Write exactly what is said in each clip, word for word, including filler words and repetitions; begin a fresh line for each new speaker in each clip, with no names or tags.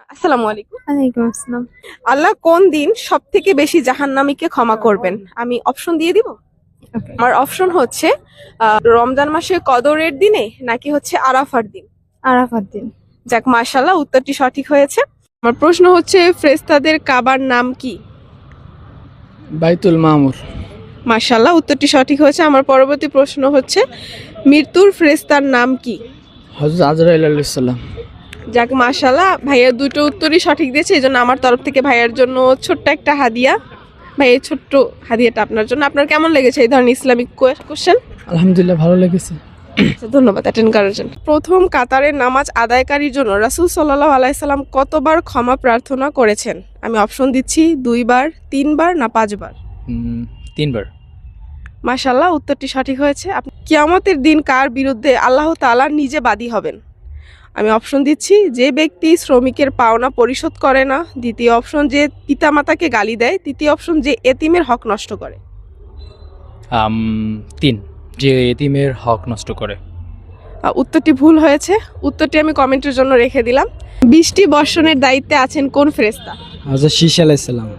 আসসালামু আলাইকুম।
ওয়ালাইকুম আসসালাম।
আল্লাহ কোন দিন সব থেকে বেশি জাহান্নামীকে ক্ষমা করবেন? আমি অপশন দিয়ে দিব।
ওকে।
আমার অপশন হচ্ছে আহ, রমজান মাসের কদরের দিনে নাকি হচ্ছে আরাফার দিন।
আরাফাত দিন।
যাক, মাশাআল্লাহ, উত্তরটি সঠিক হয়েছে। আমার প্রশ্ন হচ্ছে ফেরেশতাদের কাবার নাম কি?
বাইতুল মামুর।
মাশাআল্লাহ, উত্তরটি সঠিক হয়েছে। আমার পরবর্তী প্রশ্ন হচ্ছে মৃত্যুর ফেরেশতার নাম কি?
হযরত আজরাইল আলাইহিস সালাম।
যাক, মাশাআল্লাহ, ভাইয়া দুটো উত্তরই সঠিক দিয়েছে, এই জন্য আমার তরফ থেকে ভাইয়ার জন্য ছোট্ট একটা হাদিয়া। ভাই, এই ছোট্ট হাদিয়াটা আপনার জন্য। আপনার কেমন লেগেছে এই ধরনের ইসলামিক কোশ্চেন?
আলহামদুলিল্লাহ ভালো লেগেছে।
ধন্যবাদ অ্যাটেন্ড করার জন্য। প্রথম কাতারের নামাজ আদায়কারীর জন্য রাসূল সাল্লাল্লাহু আলাইহি সাল্লাম কতবার ক্ষমা প্রার্থনা করেছেন? আমি অপশন দিচ্ছি দুইবার, তিনবার না পাঁচবার।
উম, তিনবার।
মাশাআল্লাহ, উত্তরটি সঠিক হয়েছে। আপনি কিয়ামতের দিন কার বিরুদ্ধে আল্লাহ তাআলা নিজে বাদী হবেন? আমি অপশন দিচ্ছি যে ব্যক্তি শ্রমিকের পাওনা পরিশোধ করে না, দ্বিতীয় অপশন যে পিতামাতাকে গালি দেয়, তৃতীয় অপশন যে এতিমের হক নষ্ট করে।
আম, তিন, যে এতিমের হক নষ্ট করে।
আহ, উত্তরটি ভুল হয়েছে। উত্তরটি আমি কমেন্টের জন্য রেখে দিলাম। বৃষ্টি বর্ষণের দায়িত্বে আছেন কোন ফেরেশতা?
হযরত শীশ আলাইহিস সালাম।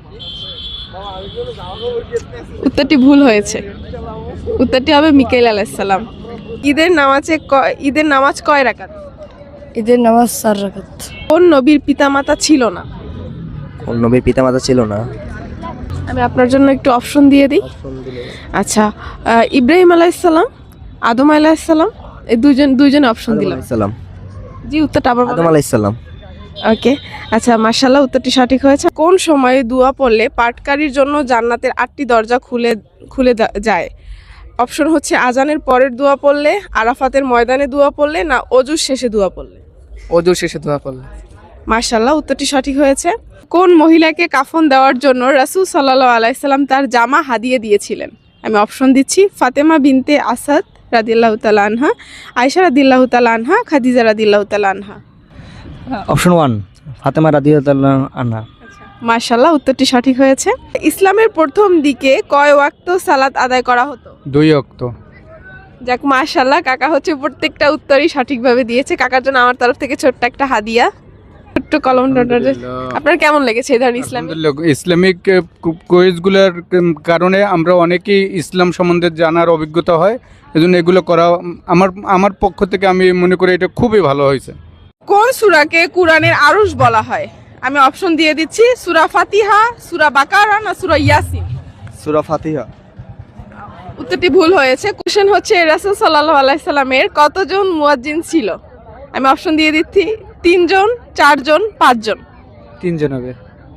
উত্তরটি ভুল হয়েছে। উত্তরটি হবে মিকাইল আলাইহিস সালাম। ঈদের নামাজে ক- ঈদের নামাজ কয় রাকাত?
ঈদের নামাজ চার রাকাত।
কোন নবীর পিতামাতা ছিল না?
কোন নবীর পিতামাতা ছিল না?
আমি আপনার জন্য একটু অপশন দিয়ে দিই। আচ্ছা, আহ, ইব্রাহিম আলাইহিসসালাম, আদম আলাইহিসসালাম, এই দুইজন দুইজন অপশন
আদম
দিলাম।
আলাইহিস সালাম।
জি, উত্তরটা আবার
আদম আলাইহিস সালাম।
ওকে। আচ্ছা, মাশাআল্লাহ, উত্তরটি সঠিক হয়েছে। কোন সময়ে দোয়া পড়লে পাঠকারীর জন্য জান্নাতের আটটি দরজা খুলে খুলে দা- যায়? অপশন হচ্ছে আজানের পরের দোয়া পড়লে, আরাফাতের ময়দানে দোয়া পড়লে, না অজুর শেষে দোয়া পড়লে।
ওযু শেষে দোয়া পড়লে।
মাশাআল্লাহ, উত্তরটি সঠিক হয়েছে। কোন মহিলাকে কাফন দেওয়ার জন্য রাসূল সাল্লাল্লাহু আলাইহি সাল্লাম তার জামা হাদিয়ে দিয়েছিলেন? আমি অপশন দিচ্ছি ফাতেমা বিনতে আসাদ রাদিয়াল্লাহু তাআলা আনহা, আয়েশা রাদিয়াল্লাহু তাআলা আনহা, খাদিজা রাদিয়াল্লাহু তাআলা আনহা।
অপশন ওয়ান ফাতেমা রাদিয়াল্লাহু আনহা।
মাশাআল্লাহ, উত্তরটি সঠিক হয়েছে। ইসলামের প্রথম দিকে কয় ওয়াক্ত সালাত আদায় করা হতো?
দুই ওয়াক্ত।
যাক, মাশাআল্লাহ, কাকা হচ্ছে প্রত্যেকটা উত্তরই সঠিকভাবে দিয়েছে। কাকার জন্য আমার তরফ থেকে ছোট্ট একটা হাদিয়া, ছোট্ট কলম ডটার। আপনার কেমন লেগেছে এই ধরনের ইসলামিক?
আলহামদুলিল্লাহ, ইসলামিক কুইজগুলোর কারণে আমরা অনেকেই ইসলাম সম্বন্ধে জানার অভিজ্ঞতা হয়, এজন্য এগুলো করা আমার আমার পক্ষ থেকে আমি মনে করি এটা খুবই ভালো হয়েছে।
কোন সূরাকে কোরআনের আরশ বলা হয়? আমি অপশন দিয়ে দিচ্ছি সূরা ফাতিহা, সূরা বাকারা, না সূরা ইয়াসিন।
সূরা ফাতিহা।
উত্তরটি ভুল হয়েছে। কোশ্চেন হচ্ছে রাসূল সাল্লাল্লাহু আলাইহি সাল্লামের কতজন মুয়াজ্জিন ছিল? আমি অপশন দিয়ে দিচ্ছি তিনজন, চারজন, পাঁচজন।
তিনজন হবে।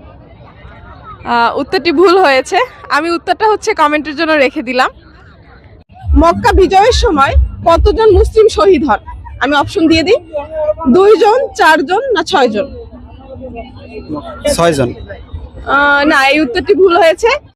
আহ, উত্তরটি ভুল হয়েছে। আমি উত্তরটা হচ্ছে কমেন্টের জন্য রেখে দিলাম। মক্কা বিজয়ের সময় কতজন মুসলিম শহীদ হন? আমি অপশন দিয়ে দিই দুইজন, চারজন, না ছয়জন।
ছয়জন।
আহ, না, এই উত্তরটি ভুল হয়েছে।